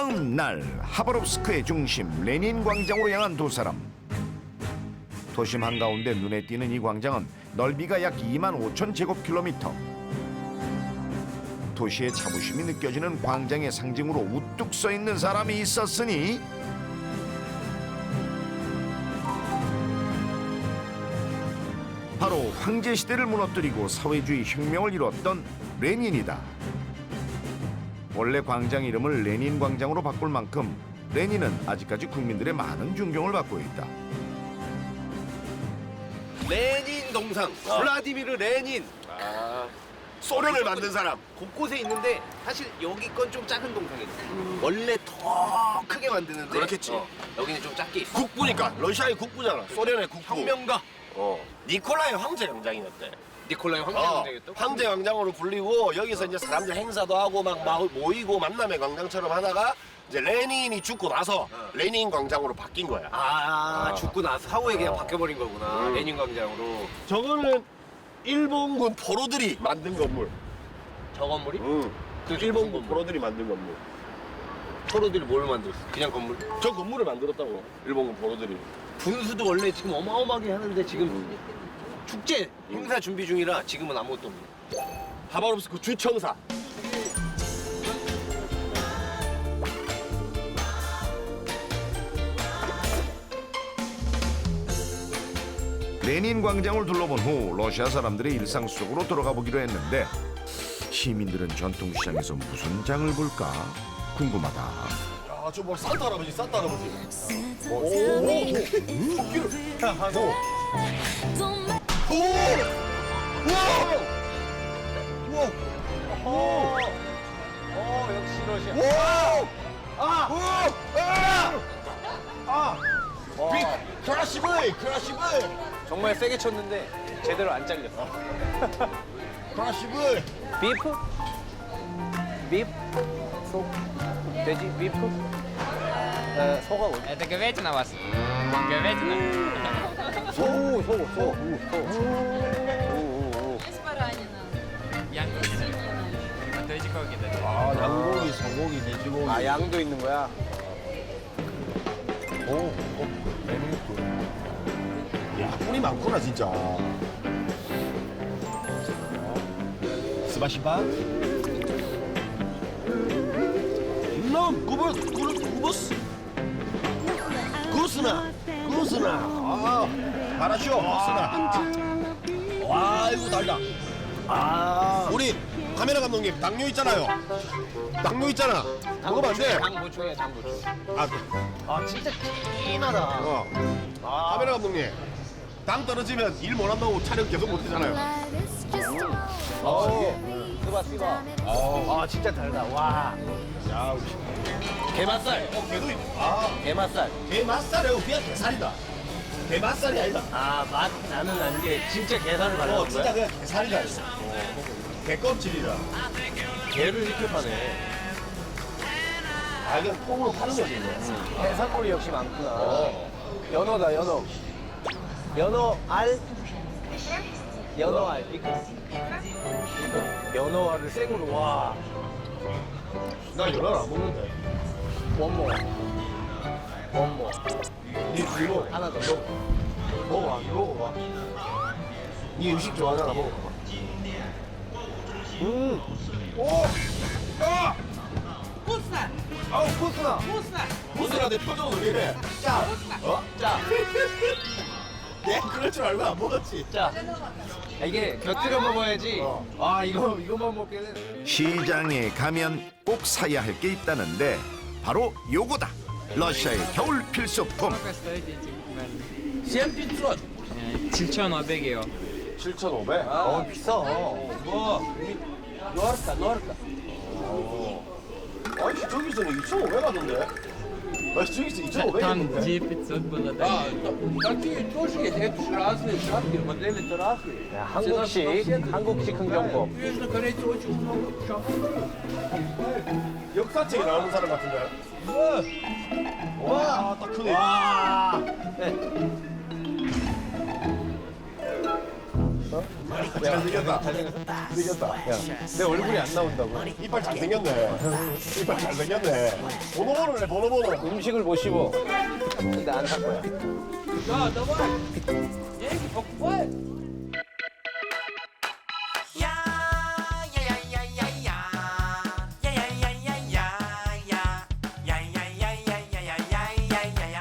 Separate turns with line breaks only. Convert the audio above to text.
어느 날 하바롭스크의 중심 레닌 광장으로 향한 두 사람. 도심 한가운데 눈에 띄는 이 광장은 넓이가 약 2만 5천 제곱킬로미터. 도시의 자부심이 느껴지는 광장의 상징으로 우뚝 서 있는 사람이 있었으니 바로 황제 시대를 무너뜨리고 사회주의 혁명을 이뤘던 레닌이다. 원래 광장 이름을 레닌 광장으로 바꿀 만큼 레닌은 아직까지 국민들의 많은 존경을 받고 있다.
레닌 동상, 블라디미르 레닌.
소련을 만든 사람.
곳곳에 있는데 사실 여기 건 좀 작은 동상이에요. 원래 더 크게 만드는데
그렇겠지.
여기는 좀 작게 있어.
국부니까 러시아의 국부잖아. 소련의 국부.
혁명가
니콜라이 황제 광장이었대.
니콜라이 황제 광장이었다.
황제 광장으로 불리고 여기서 이제 사람들 행사도 하고 막 모이고 만남의 광장처럼 하다가 이제 레닌이 죽고 나서 레닌 광장으로 바뀐 거야.
죽고 나서 사후에 그냥 바뀌어버린 거구나. 레닌 광장으로.
저거는 일본군 포로들이 만든 건물.
저 건물이?
그 일본군 포로들이 만든 건물.
포로들이 뭘 만들었어? 그냥 건물?
저 건물을 만들었다고. 일본군 포로들이.
분수도 원래 지금 어마어마하게 하는데 지금 축제 행사 준비 중이라 지금은 아무것도 없네.
하바롭스크 주청사.
레닌 광장을 둘러본 후 러시아 사람들의 일상 속으로 들어가 보기로 했는데 시민들은 전통시장에서 무슨 장을 볼까 궁금하다.
야, 저 뭐 산타 할아버지, 산타 할아버지.
역시 러시아.
크라시브이, 크라시브이,
정말 세게 쳤는데 제대로 안 잘렸어.
크라시브이.
비프? 비프? 소? 돼지? 비프? 소가 어디?
Это говядина у вас? Говядина?
소.
Есть баранина.
Янки. 돼지고기.
아, 양고기, 소고기, 돼지고기.
아, 양도 있는 거야?
야, 꿀이 많구나, 진짜. 스바시바. 구버스. 구스나. 아, 바라쇼, 구스나. 와, 이거 달다. 우리 카메라 감독님, 당뇨 있잖아요. 당뇨 있잖아. 먹으면 안 돼.
당 보충해, 당 보충.
아,
진짜 진하다.
카메라 감독님, 당 떨어지면 일 못 한다고 촬영 계속 못 하잖아요.
스바. 아, 진짜 달다. 와.
야,
게맛살.
개도 있네.
게맛살.
개 맛살이고 그냥 게살이다. 개 맛살이 아니다.
아, 맛 나는 아닌 게 진짜 게살을 발라놓은 거야?
진짜 그냥 게살이다. 개 껍질이라.
게를 이렇게 파네.
아, 이건 통으로 파는 거지, 이거.
해산물이 역시 많구나. 연어다, 연어. 연어 알? 연어 알. 연어 알을 생으로, 와.
나 연어를 안 먹는데.
원모.
니 뒤로
하나 더.
먹어봐, 이거 먹어봐. 니 음식 좋아하잖아, 먹어봐. 오! 아!
Вкусно!
아우, 코스나.
Вкусно!
코스나 내 표정 왜 이래? 짜! 어?
짜.
내 그럴 줄 알고 안 먹었지.
짜. 이게 곁들여 먹어야지. 아, 이거만 먹기는.
시장에 가면 꼭 사야 할 게 있다는데 바로 요거다. 러시아의 겨울 필수품.
Сколько стоит эти говядины?
7500.
7,500이요.
7,500?
비싸. 노르카.
아니, 저기서는 2,500 하던데? 아니, 저기서 2,500
Там
했는데?
где 500 было, да?
Такие тоже есть, это же разные шапки, модели-то разные.
한국식 흥정법.
Южнокорейцы очень много шапок.
역사책에 나오는 사람 같은데? 와, 딱 크네. 잘생겼다. 잘생겼다. 야, 내 얼굴이 안 나온다고. 이빨 잘생겼네. 이빨 잘생겼네. 번호번호네, 번호번호.
음식을 못 씹어. 근데 안 살 거야.
Да, давай. Деньги покупай.